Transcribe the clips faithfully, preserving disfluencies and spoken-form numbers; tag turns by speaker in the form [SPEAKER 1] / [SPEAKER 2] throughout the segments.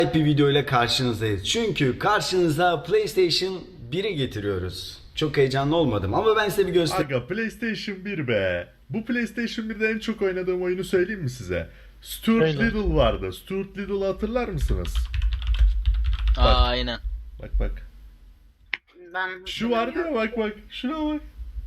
[SPEAKER 1] Bir video ile karşınızdayız. Çünkü karşınıza PlayStation biri getiriyoruz. Çok heyecanlı olmadım ama ben size bir göstereyim.
[SPEAKER 2] Aga PlayStation bir be. Bu PlayStation birde en çok oynadığım oyunu söyleyeyim mi size? Stuart
[SPEAKER 3] Öyle.
[SPEAKER 2] Little vardı. Stuart Little'ı hatırlar mısınız?
[SPEAKER 3] Aa,
[SPEAKER 2] Bak.
[SPEAKER 3] aynen.
[SPEAKER 2] Bak bak.
[SPEAKER 4] Ben
[SPEAKER 2] Şu vardı ya, bak bak. Şuna bak.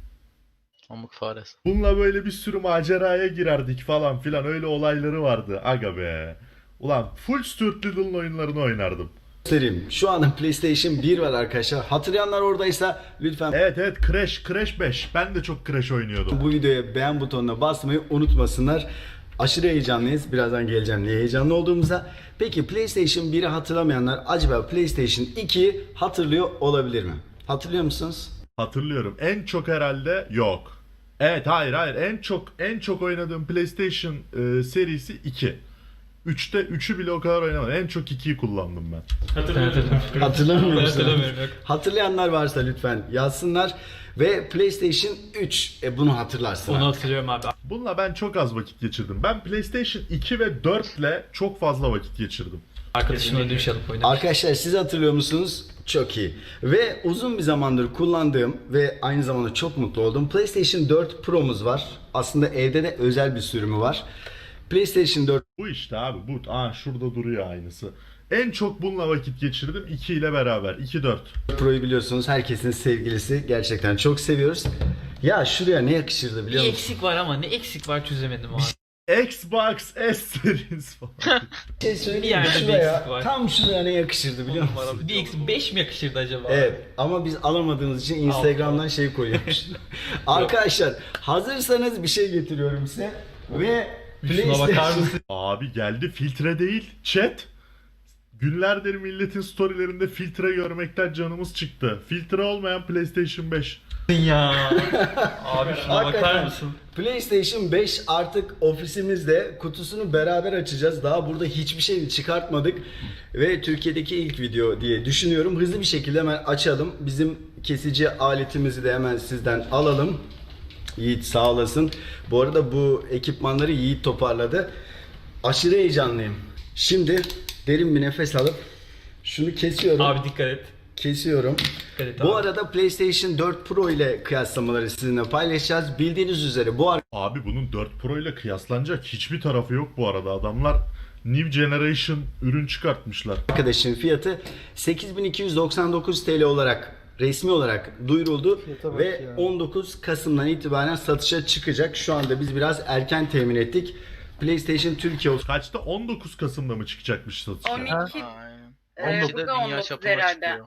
[SPEAKER 3] Pamuk faresi.
[SPEAKER 2] Bununla böyle bir sürü maceraya girerdik falan filan, öyle olayları vardı. Aga be. Ulan full Stuart Little'ın oyunlarını oynardım.
[SPEAKER 1] göstereyim. Şu anda PlayStation bir var arkadaşlar. Hatırlayanlar oradaysa lütfen
[SPEAKER 2] Evet evet, Crash, Crash beş. Ben de çok Crash oynuyordum.
[SPEAKER 1] bu videoya beğen butonuna basmayı unutmasınlar. Aşırı heyecanlıyız. Birazdan geleceğim niye heyecanlı olduğumuza. Peki PlayStation biri hatırlamayanlar acaba PlayStation ikiyi hatırlıyor olabilir mi? Hatırlıyor musunuz?
[SPEAKER 2] Hatırlıyorum. En çok herhalde yok. Evet, hayır hayır. En çok en çok oynadığım PlayStation e, serisi iki. üçte üçü bile o kadar oynamadım. En çok ikiyi kullandım ben.
[SPEAKER 5] Hatırlamıyorum.
[SPEAKER 1] Hatırlamıyor musunuz?
[SPEAKER 5] Hatırlamıyorum, yok.
[SPEAKER 1] Hatırlayanlar varsa lütfen yazsınlar. Ve PlayStation üç e, bunu hatırlarsın.
[SPEAKER 5] Onu
[SPEAKER 1] artık.
[SPEAKER 5] hatırlıyorum abi.
[SPEAKER 2] Bununla ben çok az vakit geçirdim. Ben PlayStation iki ve dört ile çok fazla vakit geçirdim.
[SPEAKER 5] Arkadaşımla ödüm şey alıp oynamış.
[SPEAKER 1] Arkadaşlar siz hatırlıyor musunuz? Çok iyi. Ve uzun bir zamandır kullandığım ve aynı zamanda çok mutlu olduğum PlayStation dört Pro'muz var. Aslında evde de özel bir sürümü var. PlayStation dört
[SPEAKER 2] Bu işte abi bu. Aa, şurada duruyor aynısı. En çok bununla vakit geçirdim iki ile beraber. iki dört.
[SPEAKER 1] Pro'yu biliyorsunuz herkesin sevgilisi. Gerçekten çok seviyoruz. Ya şuraya ne yakışırdı
[SPEAKER 5] Bir
[SPEAKER 1] biliyor musun?
[SPEAKER 5] eksik var ama ne eksik var çözemedim abi.
[SPEAKER 2] Xbox S Series falan.
[SPEAKER 1] Bir şey söyleyeyim
[SPEAKER 5] Bir
[SPEAKER 1] mi?
[SPEAKER 5] yerde bir
[SPEAKER 1] Şuraya,
[SPEAKER 5] eksik var.
[SPEAKER 1] tam şuraya ne yakışırdı biliyor musun?
[SPEAKER 5] Bir eksik beş mi yakışırdı acaba?
[SPEAKER 1] Evet ama biz alamadığımız için Instagram'dan şey koyuyormuş. Arkadaşlar hazırsanız bir şey getiriyorum size ve
[SPEAKER 5] Şuna bakar
[SPEAKER 1] PlayStation
[SPEAKER 5] mısın?
[SPEAKER 2] Abi geldi, filtre değil chat. Günlerdir milletin storylerinde filtre görmekten canımız çıktı. Filtre olmayan PlayStation beş.
[SPEAKER 5] ya. Abi şuna bakar
[SPEAKER 1] Hakikaten
[SPEAKER 5] mısın?
[SPEAKER 1] PlayStation beş artık ofisimizde, kutusunu beraber açacağız. Daha burada hiçbir şey çıkartmadık ve Türkiye'deki ilk video diye düşünüyorum. Hızlı bir şekilde hemen açalım. Bizim kesici aletimizi de hemen sizden alalım. Yiğit sağ olasın. Bu arada bu ekipmanları Yiğit toparladı. Aşırı heyecanlıyım. Şimdi derin bir nefes alıp şunu kesiyorum.
[SPEAKER 5] Abi dikkat et.
[SPEAKER 1] Kesiyorum.
[SPEAKER 5] Dikkat et
[SPEAKER 1] Bu
[SPEAKER 5] abi.
[SPEAKER 1] arada PlayStation dört Pro ile kıyaslamaları sizinle paylaşacağız. Bildiğiniz üzere bu
[SPEAKER 2] Abi bunun dört Pro ile kıyaslanacak hiçbir tarafı yok bu arada. Adamlar New Generation ürün çıkartmışlar.
[SPEAKER 1] arkadaşın fiyatı sekiz bin iki yüz doksan dokuz T L olarak resmi olarak duyuruldu ve on dokuz Kasım'dan itibaren satışa çıkacak. Şu anda biz biraz erken temin ettik. PlayStation Türkiye
[SPEAKER 2] Kaçta? on dokuz Kasım'da mı çıkacakmış satışa?
[SPEAKER 4] on iki
[SPEAKER 3] Aynen.
[SPEAKER 4] Ee,
[SPEAKER 3] on dokuzda
[SPEAKER 4] burada
[SPEAKER 3] dünya
[SPEAKER 4] on dokuz
[SPEAKER 3] çapına
[SPEAKER 4] herhalde.
[SPEAKER 3] çıkıyor.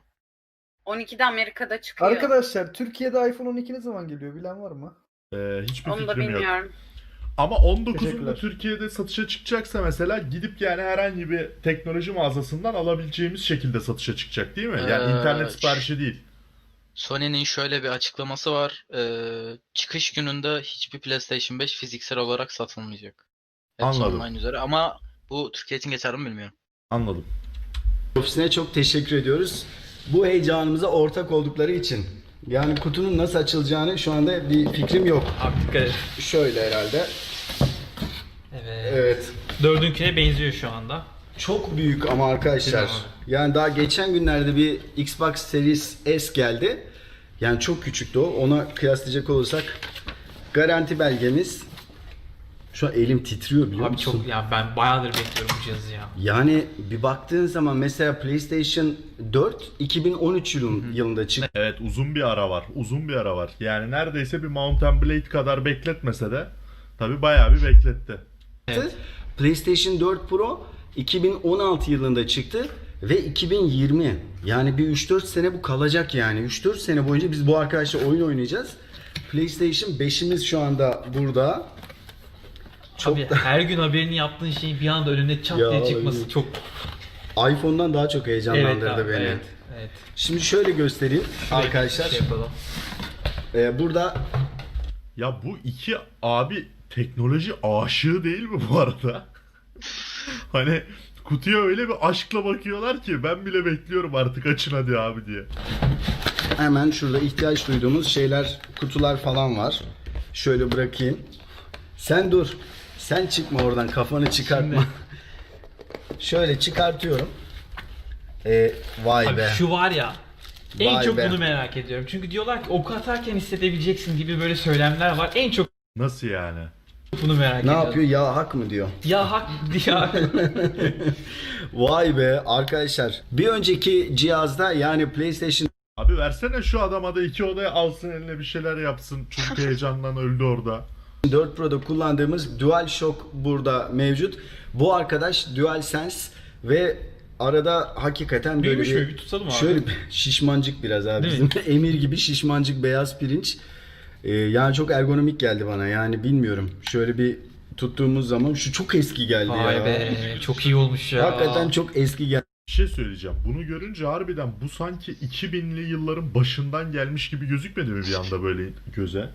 [SPEAKER 4] on ikide Amerika'da çıkıyor.
[SPEAKER 6] Arkadaşlar Türkiye'de iPhone on iki ne zaman geliyor bilen var mı?
[SPEAKER 2] Ee, hiçbir
[SPEAKER 4] Onu da
[SPEAKER 2] fikrim yok.
[SPEAKER 4] bilmiyorum.
[SPEAKER 2] Ama on dokuzunda
[SPEAKER 6] Teşekkürler.
[SPEAKER 2] Türkiye'de satışa çıkacaksa mesela gidip yani herhangi bir teknoloji mağazasından alabileceğimiz şekilde satışa çıkacak değil mi? Yani
[SPEAKER 3] Ee,
[SPEAKER 2] internet siparişi değil.
[SPEAKER 3] Sony'nin şöyle bir açıklaması var. Ee, çıkış gününde hiçbir PlayStation beş fiziksel olarak satılmayacak. Hepsi
[SPEAKER 2] Anladım.
[SPEAKER 3] online üzere ama bu Türkiye için geçerli mi bilmiyorum.
[SPEAKER 2] Anladım.
[SPEAKER 1] ofisine çok teşekkür ediyoruz. Bu heyecanımıza ortak oldukları için. Yani kutunun nasıl açılacağını şu anda bir fikrim yok.
[SPEAKER 5] Abi dikkat et.
[SPEAKER 1] Şöyle herhalde.
[SPEAKER 5] Evet.
[SPEAKER 1] Evet.
[SPEAKER 5] Dördünküne benziyor şu anda.
[SPEAKER 1] Çok büyük ama arkadaşlar.
[SPEAKER 5] Değil mi
[SPEAKER 1] Yani daha geçen günlerde bir Xbox Series S geldi. Yani çok küçüktü o. Ona kıyaslayacak olursak garanti belgemiz. Şu an elim titriyor biliyor
[SPEAKER 5] Abi
[SPEAKER 1] musun?
[SPEAKER 5] çok ya ben bayağıdır bekliyorum bu cihazı ya.
[SPEAKER 1] Yani bir baktığın zaman mesela PlayStation dört iki bin on üç yılın, yılında çıktı.
[SPEAKER 2] Evet, uzun bir ara var. Uzun bir ara var. Yani neredeyse bir Mount and Blade kadar bekletmese de tabii bayağı bir bekletti.
[SPEAKER 5] Evet.
[SPEAKER 1] PlayStation dört Pro iki bin on altı yılında çıktı ve iki bin yirmi. Yani bir üç dört sene bu kalacak yani. üç dört sene boyunca biz bu arkadaşla oyun oynayacağız. PlayStation beşimiz şu anda burada. Çok
[SPEAKER 5] Abi
[SPEAKER 1] da
[SPEAKER 5] her gün haberini yaptığın şeyin bir anda önüne çat
[SPEAKER 1] Ya,
[SPEAKER 5] diye çıkması
[SPEAKER 1] evet.
[SPEAKER 5] çok
[SPEAKER 1] iPhone'dan daha çok heyecanlandırdı
[SPEAKER 5] abi,
[SPEAKER 1] beni.
[SPEAKER 5] Evet. Evet.
[SPEAKER 1] Şimdi şöyle göstereyim arkadaşlar.
[SPEAKER 5] Şey yapalım.
[SPEAKER 1] Ee, burada
[SPEAKER 2] Ya bu iki abi teknoloji aşığı değil mi bu arada? Hani kutuya öyle bir aşkla bakıyorlar ki ben bile bekliyorum artık, açın hadi abi diye.
[SPEAKER 1] hemen şurada ihtiyaç duyduğumuz şeyler, kutular falan var. Şöyle bırakayım. Sen dur. Sen çıkma oradan, kafanı çıkartma. Şöyle çıkartıyorum. E, vay
[SPEAKER 5] Abi
[SPEAKER 1] be.
[SPEAKER 5] şu var ya. En
[SPEAKER 1] Vay
[SPEAKER 5] çok
[SPEAKER 1] be.
[SPEAKER 5] bunu merak ediyorum. Çünkü diyorlar ki ok atarken hissedebileceksin gibi böyle söylemler var. En çok
[SPEAKER 2] Nasıl yani?
[SPEAKER 5] bunu merak
[SPEAKER 1] Ne
[SPEAKER 5] ediyorum.
[SPEAKER 1] yapıyor? Ya hak mı diyor?
[SPEAKER 5] Ya hak ya.
[SPEAKER 1] Vay be arkadaşlar. Bir önceki cihazda yani PlayStation
[SPEAKER 2] Abi versene şu adama da iki odaya alsın eline bir şeyler yapsın. Çünkü heyecandan öldü orada.
[SPEAKER 1] dört Pro'da kullandığımız DualShock burada mevcut. Bu arkadaş DualSense ve arada hakikaten böyle
[SPEAKER 5] Büyümüş
[SPEAKER 1] bir,
[SPEAKER 5] mü? Bir tutalım abi.
[SPEAKER 1] şöyle bir şişmancık biraz abi.
[SPEAKER 5] Değil
[SPEAKER 1] Bizim emir gibi şişmancık beyaz pirinç. Ee, yani çok ergonomik geldi bana. Yani bilmiyorum. Şöyle bir tuttuğumuz zaman şu çok eski geldi ya.
[SPEAKER 5] Vay be. Çok iyi olmuş ya.
[SPEAKER 1] Hakikaten çok eski geldi.
[SPEAKER 2] Bir şey söyleyeceğim. Bunu görünce harbiden bu sanki iki binli yılların başından gelmiş gibi gözükmedi mi bir anda böyle göze?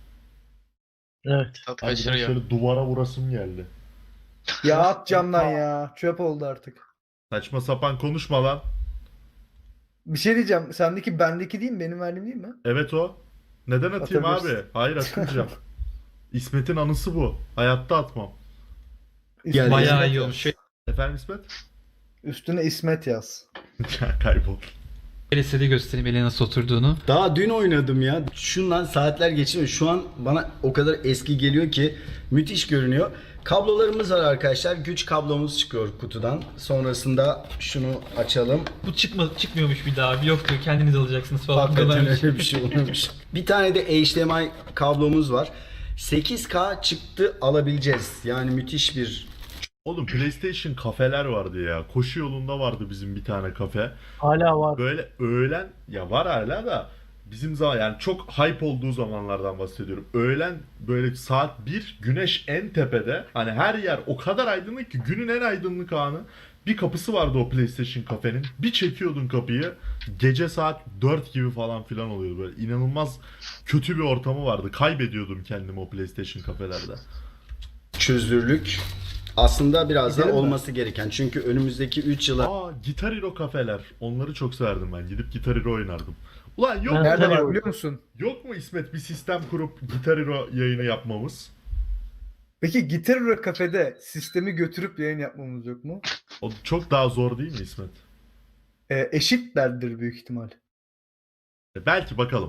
[SPEAKER 7] Evet.
[SPEAKER 3] Tat
[SPEAKER 2] Harbiden
[SPEAKER 3] kaçırıyor.
[SPEAKER 2] şöyle duvara vurasım geldi.
[SPEAKER 6] Ya at camdan ya. Çöp oldu artık.
[SPEAKER 2] Saçma sapan konuşma lan.
[SPEAKER 6] Bir şey diyeceğim. Sendeki bendeki değil mi? Benim verdiğim değil mi?
[SPEAKER 2] Evet o. Neden atayım
[SPEAKER 6] Atabilirsin.
[SPEAKER 2] abi? Hayır atmayacağım. İsmet'in anısı bu. Hayatta atmam.
[SPEAKER 1] Gel,
[SPEAKER 5] Bayağı
[SPEAKER 6] İsmet
[SPEAKER 5] iyi
[SPEAKER 6] yaz.
[SPEAKER 5] olmuş.
[SPEAKER 2] Efendim İsmet?
[SPEAKER 6] Üstüne İsmet yaz.
[SPEAKER 2] Ya kaybol.
[SPEAKER 5] Şöyle göstereyim ele nasıl oturduğunu.
[SPEAKER 1] Daha dün oynadım ya. Şundan saatler geçmiyor. Şu an bana o kadar eski geliyor ki müthiş görünüyor. Kablolarımız var arkadaşlar. Güç kablomuz çıkıyor kutudan. Sonrasında şunu açalım.
[SPEAKER 5] Bu çıkma, çıkmıyormuş bir daha. Yok diyor kendiniz alacaksınız falan.
[SPEAKER 1] Hakikaten
[SPEAKER 5] diyorlarmış.
[SPEAKER 1] öyle bir şey olmuş. Bir tane de H D M I kablomuz var. sekiz K çıktı alabileceğiz. Yani müthiş bir
[SPEAKER 2] Oğlum PlayStation kafeler vardı ya. Koşu yolunda vardı bizim bir tane kafe.
[SPEAKER 7] Hala var.
[SPEAKER 2] Böyle öğlen ya var hala da bizim zaman yani çok hype olduğu zamanlardan bahsediyorum. Öğlen böyle saat bir güneş en tepede. Hani her yer o kadar aydınlık ki günün en aydınlık anı. Bir kapısı vardı o PlayStation kafenin. Bir çekiyordun kapıyı. Gece saat dört gibi falan filan oluyordu böyle. İnanılmaz kötü bir ortamı vardı. Kaybediyordum kendimi o PlayStation kafelerde.
[SPEAKER 1] çözünürlük. Aslında biraz da
[SPEAKER 6] Gidelim mi?
[SPEAKER 1] olması gereken. Çünkü önümüzdeki üç yıla
[SPEAKER 2] Aa Guitar Hero kafeler. Onları çok severdim ben. Gidip Guitar Hero oynardım. Ulan yok mu?
[SPEAKER 6] Nerede var
[SPEAKER 7] Tanıyorum.
[SPEAKER 6] biliyor musun?
[SPEAKER 2] Yok mu İsmet bir sistem kurup Guitar Hero yayını yapmamız?
[SPEAKER 6] Peki Gitar Hero kafede sistemi götürüp yayın yapmamız yok mu?
[SPEAKER 2] O çok daha zor değil mi İsmet?
[SPEAKER 6] Ee, eşitlerdir büyük ihtimal.
[SPEAKER 2] E, belki bakalım.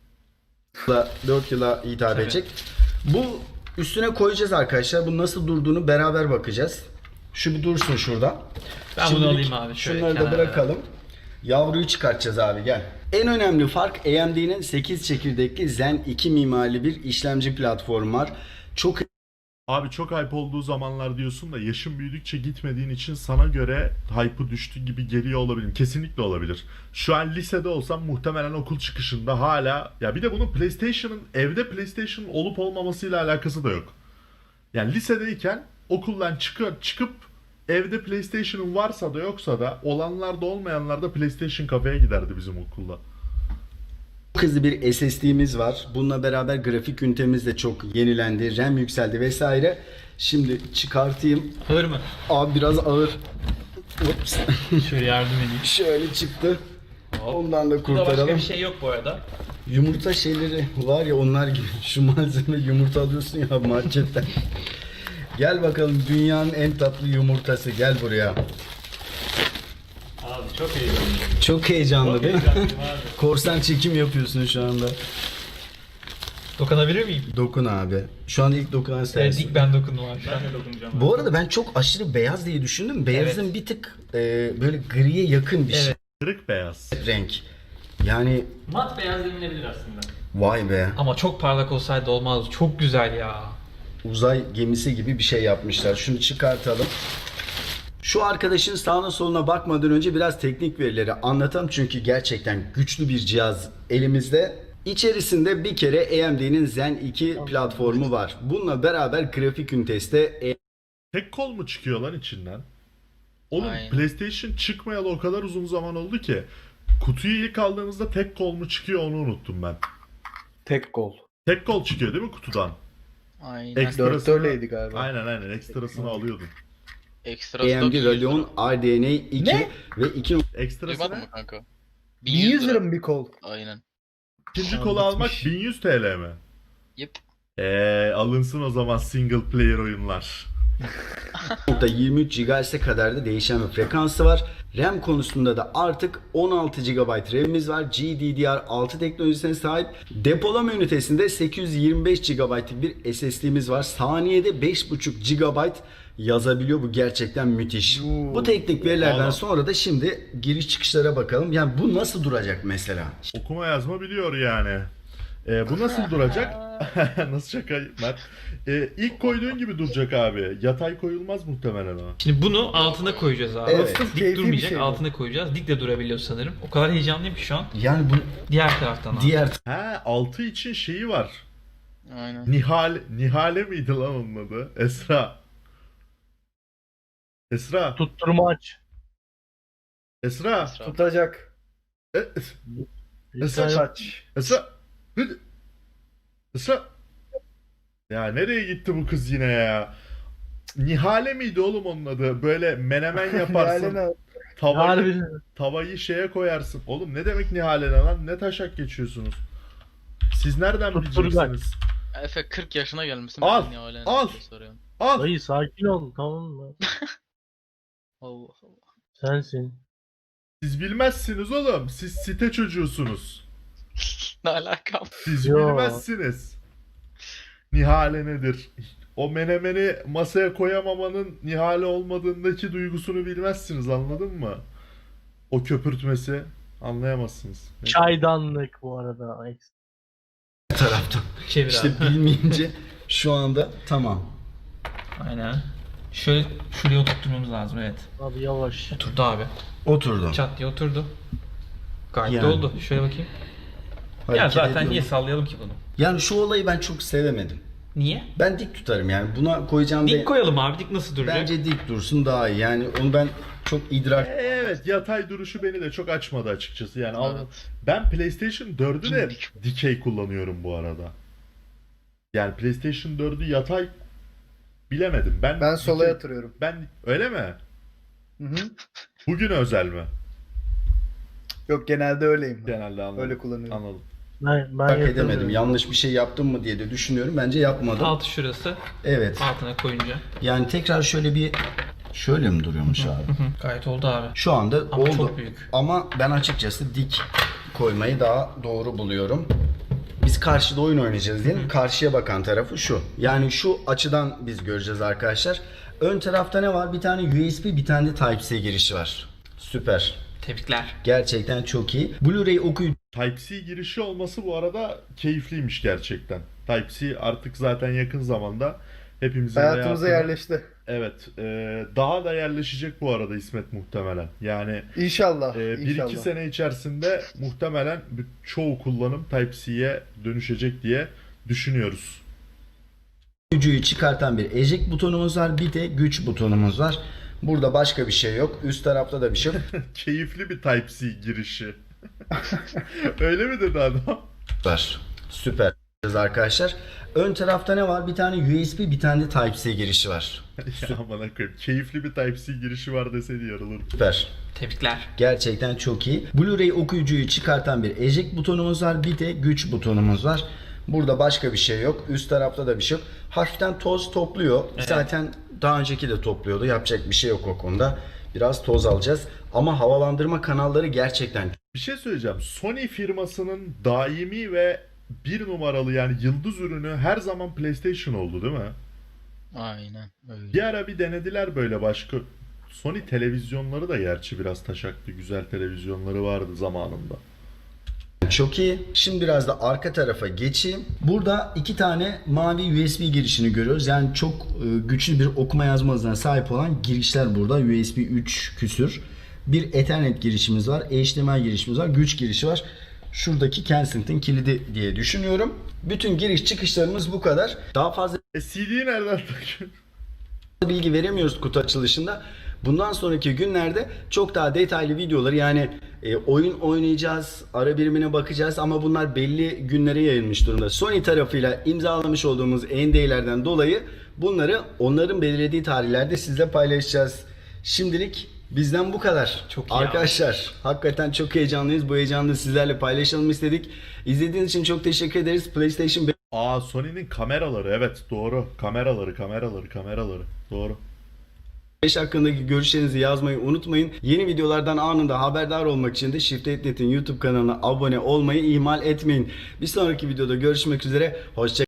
[SPEAKER 1] dört yıla hitap
[SPEAKER 5] Tabii.
[SPEAKER 1] edecek. Bu üstüne koyacağız arkadaşlar. Bu nasıl durduğunu beraber bakacağız. Şu bir dursun şurada.
[SPEAKER 5] Ben bunu
[SPEAKER 1] Şimdilik
[SPEAKER 5] alayım abi, şöyle
[SPEAKER 1] Şunları da
[SPEAKER 5] kenara.
[SPEAKER 1] bırakalım. Yavruyu çıkartacağız abi gel. En önemli fark A M D'nin sekiz çekirdekli Zen iki mimarili bir işlemci platformu var. Çok
[SPEAKER 2] Abi çok hype olduğu zamanlar diyorsun da yaşın büyüdükçe gitmediğin için sana göre hype'ı düştü gibi geliyor olabilir. Kesinlikle olabilir. Şu an lisede olsam muhtemelen okul çıkışında hala ya bir de bunun PlayStation'ın evde PlayStation olup olmamasıyla alakası da yok. Yani lisedeyken okuldan çıkıp çıkıp evde PlayStation'ın varsa da yoksa da olanlar da olmayanlar da PlayStation kafeye giderdi bizim okulda.
[SPEAKER 1] hızlı bir S S D'miz var. Bununla beraber grafik ünitemiz de çok yenilendi. RAM yükseldi vesaire. Şimdi çıkartayım.
[SPEAKER 5] Ağır mı?
[SPEAKER 1] Abi biraz ağır. Ups.
[SPEAKER 5] Şöyle yardım edeyim.
[SPEAKER 1] Şöyle çıktı. Ondan da
[SPEAKER 5] Burada başka
[SPEAKER 1] kurtaralım.
[SPEAKER 5] bir şey yok bu arada.
[SPEAKER 1] Yumurta şeyleri var ya onlar gibi. Şu malzeme yumurta alıyorsun ya marketten. Gel bakalım dünyanın en tatlı yumurtası. Gel buraya.
[SPEAKER 5] Abi çok heyecanlıyım.
[SPEAKER 1] Çok heyecanlı değil mi?
[SPEAKER 5] abi.
[SPEAKER 1] Korsan çekim yapıyorsun şu anda.
[SPEAKER 5] Dokunabilir miyim?
[SPEAKER 1] Dokun abi. Şu anda ilk dokunan
[SPEAKER 5] Evet,
[SPEAKER 1] sensin.
[SPEAKER 5] ilk ben dokundum abi. Ben de dokunacağım.
[SPEAKER 1] Bu arada ben çok aşırı beyaz diye düşündüm. Beyazın bir tık e, böyle griye yakın bir
[SPEAKER 5] Evet.
[SPEAKER 2] Kırık beyaz.
[SPEAKER 1] şey. Renk. Yani
[SPEAKER 5] Mat beyaz denilebilir aslında.
[SPEAKER 1] vay be.
[SPEAKER 5] Ama çok parlak olsaydı olmaz. Çok güzel ya.
[SPEAKER 1] Uzay gemisi gibi bir şey yapmışlar. Şunu çıkartalım. Şu arkadaşın sağına soluna bakmadan önce biraz teknik verileri anlatalım. Çünkü gerçekten güçlü bir cihaz elimizde. İçerisinde bir kere A M D'nin Zen iki platformu var. Bununla beraber grafik ünitesi de
[SPEAKER 2] Tek kol mu çıkıyor lan içinden? Oğlum
[SPEAKER 3] Aynen.
[SPEAKER 2] PlayStation çıkmayalı o kadar uzun zaman oldu ki kutuyu ilk aldığımızda tek kol mu çıkıyor onu unuttum ben.
[SPEAKER 6] Tek gol.
[SPEAKER 2] Tek kol çıkıyor değil mi kutudan?
[SPEAKER 3] Aynen.
[SPEAKER 2] Ekstra-
[SPEAKER 6] Dörtte öyleydi galiba.
[SPEAKER 2] Aynen aynen ekstrasını alıyordun.
[SPEAKER 3] Ekstra
[SPEAKER 1] A M
[SPEAKER 3] stok
[SPEAKER 1] D
[SPEAKER 3] yüz lira.
[SPEAKER 1] Radeon R D N A iki
[SPEAKER 6] Ne?
[SPEAKER 1] ve iki
[SPEAKER 2] Ekstrası
[SPEAKER 3] Duymadın
[SPEAKER 2] ne?
[SPEAKER 3] mı kanka?
[SPEAKER 6] bin yüz lira mı bir kol?
[SPEAKER 3] Aynen.
[SPEAKER 2] İkinci
[SPEAKER 6] Aa,
[SPEAKER 2] kolu almak
[SPEAKER 6] bitmiş.
[SPEAKER 2] bin yüz T L mi?
[SPEAKER 3] Yep.
[SPEAKER 2] Eee alınsın o zaman single player oyunlar.
[SPEAKER 1] yirmi üç gigahertz'e kadar da değişen bir frekansı var. RAM konusunda da artık on altı gigabayt RAM'imiz var. G D D R altı teknolojisine sahip. Depolama ünitesinde sekiz yüz yirmi beş gigabaytlık bir S S D'miz var. Saniyede beş buçuk gigabayt yazabiliyor. Bu gerçekten müthiş.
[SPEAKER 6] Oo.
[SPEAKER 1] Bu teknik verilerden
[SPEAKER 2] Vallahi.
[SPEAKER 1] sonra da şimdi giriş çıkışlara bakalım. Yani bu nasıl duracak mesela?
[SPEAKER 2] Okuma yazma biliyor yani. Ee, bu nasıl duracak? Nasıl şaka Mert? Ee, ilk koyduğun gibi duracak abi. Yatay koyulmaz muhtemelen o.
[SPEAKER 5] Şimdi bunu altına koyacağız abi.
[SPEAKER 1] Evet.
[SPEAKER 5] Dik
[SPEAKER 6] Keyifli bir
[SPEAKER 5] durmayacak,
[SPEAKER 6] şey bu.
[SPEAKER 5] altına koyacağız. Dik de durabiliyor sanırım. O kadar heyecanlıyım ki şu an.
[SPEAKER 1] Yani bu
[SPEAKER 5] Diğer taraftan abi.
[SPEAKER 1] diğer
[SPEAKER 2] He, altı için şeyi var.
[SPEAKER 3] Aynen.
[SPEAKER 2] Nihal Nihale miydi lan onun adı? Esra. Esra.
[SPEAKER 7] Tutturmaç.
[SPEAKER 2] Esra.
[SPEAKER 3] Esra.
[SPEAKER 6] Tutacak.
[SPEAKER 2] E- Esra.
[SPEAKER 6] Saç.
[SPEAKER 2] Esra. Hıd- Esra. Ya nereye gitti bu kız yine ya? Nihale miydi oğlum onun adı? Böyle menemen yaparsın.
[SPEAKER 6] Yani
[SPEAKER 2] tavayı,
[SPEAKER 7] Harbiden.
[SPEAKER 2] tavayı şeye koyarsın. Oğlum ne demek Nihale ne lan? Ne taşak geçiyorsunuz? Siz nereden
[SPEAKER 7] Tutturacak.
[SPEAKER 2] bileceksiniz?
[SPEAKER 3] Efe kırk yaşına gelmişsin.
[SPEAKER 2] Al,
[SPEAKER 3] ben niye öyle
[SPEAKER 2] al.
[SPEAKER 3] soruyorum.
[SPEAKER 2] Al.
[SPEAKER 7] Dayı sakin ol, tamam mı?
[SPEAKER 3] Allah Allah.
[SPEAKER 7] Sensin.
[SPEAKER 2] Siz bilmezsiniz oğlum. Siz site çocuğusunuz.
[SPEAKER 3] Ne alakam?
[SPEAKER 2] Siz
[SPEAKER 7] Yo.
[SPEAKER 2] bilmezsiniz. Nihale nedir? O menemeni masaya koyamamanın Nihale olmadığındaki duygusunu bilmezsiniz, anladın mı? O köpürtmesi anlayamazsınız.
[SPEAKER 7] Çaydanlık bu arada.
[SPEAKER 1] taraftan.
[SPEAKER 5] Çevir
[SPEAKER 1] İşte
[SPEAKER 5] abi.
[SPEAKER 1] bilmeyince şu anda tamam.
[SPEAKER 5] Aynen. Şöyle şuraya oturtmamız lazım, evet.
[SPEAKER 7] Abi yavaş.
[SPEAKER 5] Oturdu abi.
[SPEAKER 1] Oturdu.
[SPEAKER 5] Çat diye oturdu. Gayet
[SPEAKER 1] Yani.
[SPEAKER 5] de oldu. Şöyle bakayım. Ya
[SPEAKER 1] Hareket
[SPEAKER 5] zaten
[SPEAKER 1] ediyorum.
[SPEAKER 5] niye sallayalım ki bunu?
[SPEAKER 1] Yani şu olayı ben çok sevemedim.
[SPEAKER 5] Niye?
[SPEAKER 1] Ben dik tutarım yani. Buna koyacağım
[SPEAKER 5] Dik
[SPEAKER 1] da
[SPEAKER 5] koyalım abi. Dik nasıl duracak?
[SPEAKER 1] bence dik dursun daha iyi. Yani onu ben çok idrak
[SPEAKER 2] Evet, yatay duruşu beni de çok açmadı açıkçası. Yani al-
[SPEAKER 3] Evet.
[SPEAKER 2] ben PlayStation dördü de
[SPEAKER 3] Dimdik.
[SPEAKER 2] dikey kullanıyorum bu arada. Yani PlayStation dördü yatay bilemedim. Ben
[SPEAKER 6] ben sola
[SPEAKER 2] dikey-
[SPEAKER 6] yatırıyorum.
[SPEAKER 2] Ben öyle mi?
[SPEAKER 6] Hı hı.
[SPEAKER 2] Bugün özel mi?
[SPEAKER 6] Yok genelde öyleyim. ben.
[SPEAKER 2] Genelde anladım.
[SPEAKER 6] Öyle kullanıyorum.
[SPEAKER 2] Anladım.
[SPEAKER 7] Ben, ben
[SPEAKER 1] fark
[SPEAKER 7] yatırdım.
[SPEAKER 1] edemedim. Yanlış bir şey yaptım mı diye de düşünüyorum. Bence yapmadım.
[SPEAKER 5] Altı şurası.
[SPEAKER 1] Evet.
[SPEAKER 5] Altına koyunca.
[SPEAKER 1] Yani tekrar şöyle bir şöyle mi duruyormuş abi?
[SPEAKER 5] Gayet oldu abi.
[SPEAKER 1] Şu anda
[SPEAKER 5] Ama
[SPEAKER 1] oldu.
[SPEAKER 5] çok büyük.
[SPEAKER 1] Ama ben açıkçası dik koymayı daha doğru buluyorum. Biz karşıda oyun oynayacağız diyelim. Karşıya bakan tarafı şu. Yani şu açıdan biz göreceğiz arkadaşlar. Ön tarafta ne var? Bir tane U S B, bir tane de Type-C girişi var. Süper.
[SPEAKER 5] Tebrikler.
[SPEAKER 1] Gerçekten çok iyi. Blu-ray okuyucu
[SPEAKER 2] Type-C girişi olması bu arada keyifliymiş gerçekten. Type-C artık zaten yakın zamanda hepimizin
[SPEAKER 6] Hayatımıza
[SPEAKER 2] hayatına-
[SPEAKER 6] yerleşti.
[SPEAKER 2] Evet, e, daha da yerleşecek bu arada İsmet muhtemelen. Yani
[SPEAKER 6] İnşallah.
[SPEAKER 2] e, bir
[SPEAKER 6] inşallah.
[SPEAKER 2] iki sene içerisinde muhtemelen bir- çoğu kullanım Type-C'ye dönüşecek diye düşünüyoruz.
[SPEAKER 1] Gücüyü çıkartan bir eject butonumuz var. Bir de güç butonumuz var. Burada başka bir şey yok. Üst tarafta da bir şey yok.
[SPEAKER 2] Keyifli bir Type-C girişi. Öyle mi dedi adam?
[SPEAKER 1] Süper. Süper arkadaşlar. Ön tarafta ne var? Bir tane U S B, bir tane de Type-C girişi var.
[SPEAKER 2] Ya amına koyayım. Keyifli bir Type-C girişi var deseydi yarılırdı.
[SPEAKER 1] Süper.
[SPEAKER 5] Tebrikler.
[SPEAKER 1] Gerçekten çok iyi. Blu-ray okuyucuyu çıkartan bir eject butonumuz var. Bir de güç butonumuz var. Burada başka bir şey yok. Üst tarafta da bir şey yok. Hafiften toz topluyor.
[SPEAKER 5] Evet.
[SPEAKER 1] Zaten daha önceki de topluyordu. Yapacak bir şey yok o konuda. Biraz toz alacağız. Ama havalandırma kanalları gerçekten
[SPEAKER 2] Bir şey söyleyeceğim. Sony firmasının daimi ve bir numaralı yani yıldız ürünü her zaman PlayStation oldu değil mi?
[SPEAKER 3] Aynen öyle.
[SPEAKER 2] Bir ara bir denediler böyle başka. Sony televizyonları da gerçi biraz taşaktı. Güzel televizyonları vardı zamanında.
[SPEAKER 1] çok iyi. Şimdi biraz da arka tarafa geçeyim. Burada iki tane mavi U S B girişini görüyoruz. Yani çok e, güçlü bir okuma yazma hızına sahip olan girişler burada. U S B üç küsür. Bir Ethernet girişimiz var. H D M I girişimiz var. Güç girişi var. Şuradaki Kensington kilidi diye düşünüyorum. Bütün giriş çıkışlarımız bu kadar. Daha fazla
[SPEAKER 2] E C D'yi nereden takıyorsun?
[SPEAKER 1] bilgi veremiyoruz kutu açılışında. Bundan sonraki günlerde çok daha detaylı videoları yani e, oyun oynayacağız, ara birimine bakacağız ama bunlar belli günlere yayılmış durumda. Sony tarafıyla imzalamış olduğumuz N D A'lerden dolayı bunları onların belirlediği tarihlerde sizle paylaşacağız. Şimdilik bizden bu kadar.
[SPEAKER 5] Çok iyi
[SPEAKER 1] Arkadaşlar hakikaten çok heyecanlıyız. Bu heyecanı sizlerle paylaşalım istedik. İzlediğiniz için çok teşekkür ederiz. PlayStation
[SPEAKER 2] Aa, Sony'nin kameraları, evet doğru. Kameraları, kameraları, kameraları. Doğru.
[SPEAKER 1] beş hakkındaki görüşlerinizi yazmayı unutmayın. Yeni videolardan anında haberdar olmak için de Shift Net'in YouTube kanalına abone olmayı ihmal etmeyin. Bir sonraki videoda görüşmek üzere. Hoşça